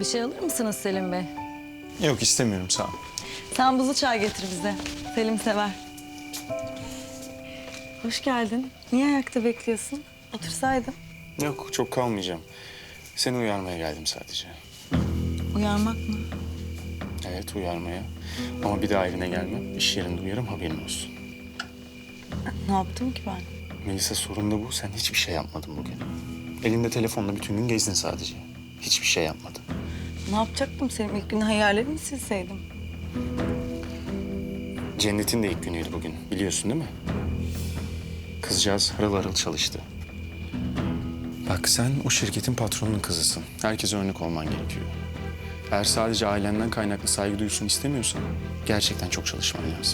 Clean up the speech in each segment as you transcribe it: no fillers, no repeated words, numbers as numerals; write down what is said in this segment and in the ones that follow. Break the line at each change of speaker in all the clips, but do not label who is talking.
Bir şey alır mısınız Selim Bey?
Yok istemiyorum sağ ol.
Sen buzlu çay getir bize. Selim sever. Hoş geldin. Niye ayakta bekliyorsun? Otursaydın.
Yok çok kalmayacağım. Seni uyarmaya geldim sadece.
Uyarmak mı?
Evet uyarmaya. Ama bir daha evine gelmem. İş yerinde uyarım haberin olsun.
Ne yaptım ki ben?
Melisa sorun da bu. Sen hiçbir şey yapmadın bugün. Elinde telefonla bütün gün gezdin sadece. Hiçbir şey yapmadın.
Ne yapacaktım Selim? İlk gün hayallerimi silseydim.
Cennet'in de ilk günüydü bugün. Biliyorsun değil mi? Kızcağız harıl harıl çalıştı. Bak sen o şirketin patronunun kızısın. Herkese örnek olman gerekiyor. Eğer sadece ailenden kaynaklı saygı duysun istemiyorsan gerçekten çok çalışman lazım.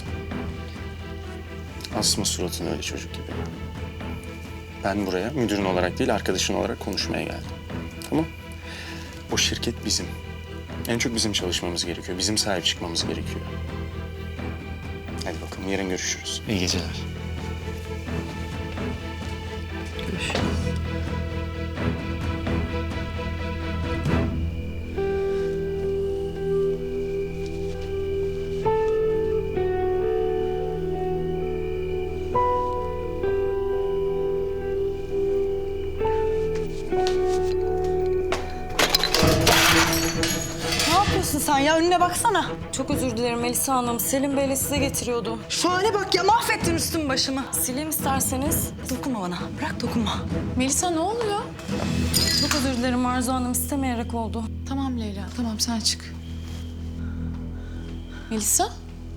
Asma suratını öyle çocuk gibi. Ben buraya müdürün olarak değil arkadaşın olarak konuşmaya geldim. Tamam? O şirket bizim. En çok bizim çalışmamız gerekiyor. Bizim sahip çıkmamız gerekiyor. Hadi bakalım yarın görüşürüz. İyi geceler.
Görüşürüz. Ne yapıyorsun sen ya? Önüne baksana. Çok özür dilerim Melisa Hanım. Selim Bey'le size getiriyordum. Şu hale bak ya. Mahvettin üstüm başımı. Sileyim isterseniz. Dokunma bana. Bırak dokunma.
Melisa ne oluyor?
Çok özür dilerim Arzu Hanım. İstemeyerek oldu.
Tamam Leyla, tamam sen çık. Melisa?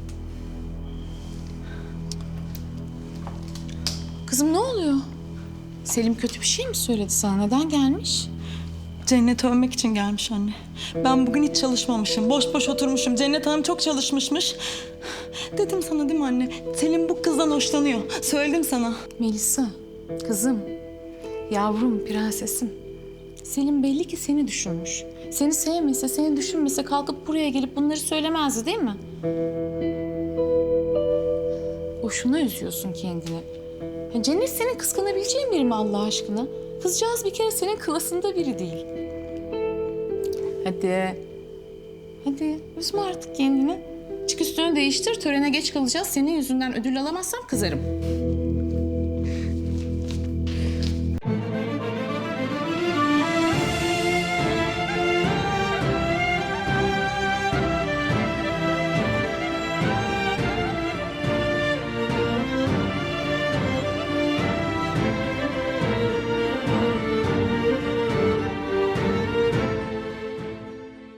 Kızım ne oluyor? Selim kötü bir şey mi söyledi sana? Neden gelmiş?
Cennet övmek için gelmiş anne. Ben bugün hiç çalışmamışım. Boş boş oturmuşum. Cennet Hanım çok çalışmışmış. Dedim sana değil mi anne? Selim bu kızdan hoşlanıyor. Söyledim sana.
Melisa, kızım, yavrum, prensesim. Selim belli ki seni düşünmüş. Seni sevmese, seni düşünmese kalkıp buraya gelip bunları söylemezdi değil mi? Boşuna üzüyorsun kendini. Ya Cennet senin kıskanabileceğin biri mi Allah aşkına? Kızcağız bir kere senin klasında biri değil. Hadi. Hadi üzme artık kendini. Çık üstünü değiştir, törene geç kalacağız. Senin yüzünden ödül alamazsam kızarım.